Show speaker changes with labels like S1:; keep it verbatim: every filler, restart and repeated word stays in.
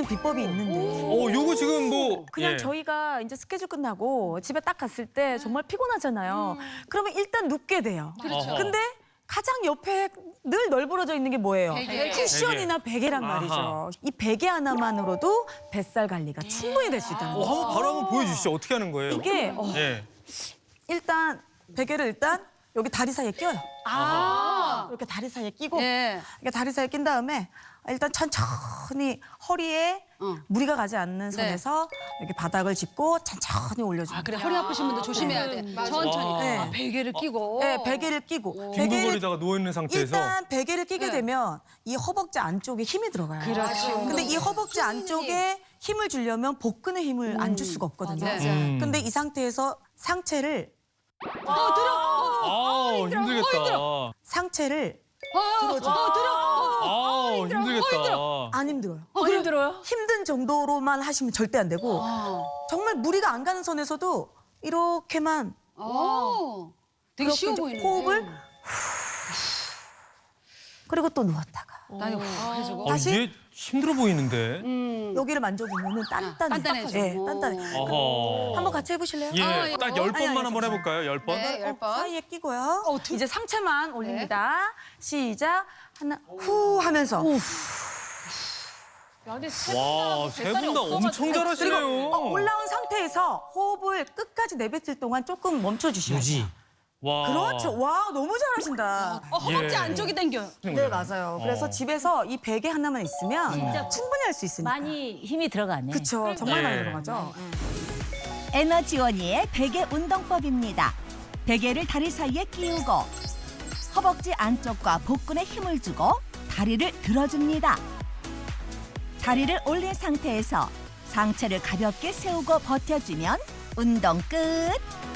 S1: 있는 비법이 있는데.
S2: 어, 요거 지금 뭐
S1: 그냥
S2: 예.
S1: 저희가 이제 스케줄 끝나고 집에 딱 갔을 때 정말 피곤하잖아요. 그러면 일단 눕게 돼요.
S2: 그렇죠.
S1: 근데 가장 옆에 늘 널브러져 있는 게 뭐예요?
S3: 베개.
S1: 쿠션이나 베개란
S2: 아하.
S1: 말이죠. 이 베개 하나만으로도 뱃살 관리가 충분히 될 수 있다는
S2: 어,
S1: 거예요.
S2: 한번 바로 한번 보여주시죠. 어떻게 하는 거예요?
S1: 이게 어,
S2: 예.
S1: 일단 베개를 일단 여기 다리 사이에 끼워요.
S3: 아.
S1: 이렇게 다리 사이에 끼고
S3: 예.
S1: 이렇게 다리 사이에 낀 다음에 일단 천천히 허리에
S3: 어.
S1: 무리가 가지 않는 선에서 이렇게 바닥을 짚고 천천히 올려줍니다.
S3: 아, 그래. 허리 아프신 분들 조심해야 돼. 천천히.
S2: 와.
S1: 네.
S3: 아, 베개를 끼고.
S1: 네, 베개를 끼고 베개를
S2: 뒹굴거리다가 누워 있는 상태에서
S1: 일단 베개를 끼게
S3: 네.
S1: 되면 이 허벅지 안쪽에 힘이 들어가요.
S3: 그렇죠.
S1: 근데 이 허벅지 안쪽에 힘을 주려면 복근에 힘을 안 줄 수가 없거든요.
S3: 맞아요.
S2: 음.
S1: 근데 이 상태에서 상체를
S3: 어, 들어.
S2: 아, 힘들겠다.
S1: 상체를
S3: 어, 어, 들어.
S2: 아, 힘들겠다.
S1: 안 힘들어요.
S3: 어, 힘들어요?
S1: 힘든 정도로만 하시면 절대 안 되고
S3: 아.
S1: 정말 무리가 안 가는 선에서도 이렇게만
S3: 어. 되게
S1: 그렇게
S3: 쉬워
S1: 이제
S3: 보이는데.
S1: 호흡을 그리고 또 누웠다가
S3: 나는 후 해주고.
S2: 어,
S1: 다시?
S2: 이게 힘들어 보이는데.
S3: 음.
S1: 여기를 만져보면 단단해.
S3: 단단해져.
S1: 네, 단단해.
S2: 어허.
S1: 한번 같이 해보실래요?
S2: 예,
S3: 아, 예.
S2: 딱 열
S1: 아니,
S2: 번만
S1: 아니,
S2: 한번
S1: 괜찮아요.
S2: 해볼까요? 열 번?
S3: 네, 열
S1: 어,
S3: 번.
S1: 사이에 끼고요. 이제 상체만 올립니다. 시작. 하나, 후 하면서.
S2: 와, 세 분 다 엄청
S1: 그리고
S2: 잘하시네요.
S1: 어, 올라온 상태에서 호흡을 끝까지 내뱉을 동안 조금 멈춰주셔야 돼요.
S2: 와.
S1: 그렇죠. 와, 너무 잘하신다.
S3: 어, 허벅지
S2: 예.
S3: 안쪽이 당겨요.
S1: 네, 맞아요. 그래서
S2: 어.
S1: 집에서 이 베개 하나만 있으면 충분히 할 수 있으니까.
S4: 많이 힘이 들어가네.
S1: 그렇죠. 정말
S2: 예.
S1: 많이 들어가죠.
S5: 에너지원이의 베개 운동법입니다. 베개를 다리 사이에 끼우고 허벅지 안쪽과 복근에 힘을 주고 다리를 들어줍니다. 다리를 올린 상태에서 상체를 가볍게 세우고 버텨주면 운동 끝!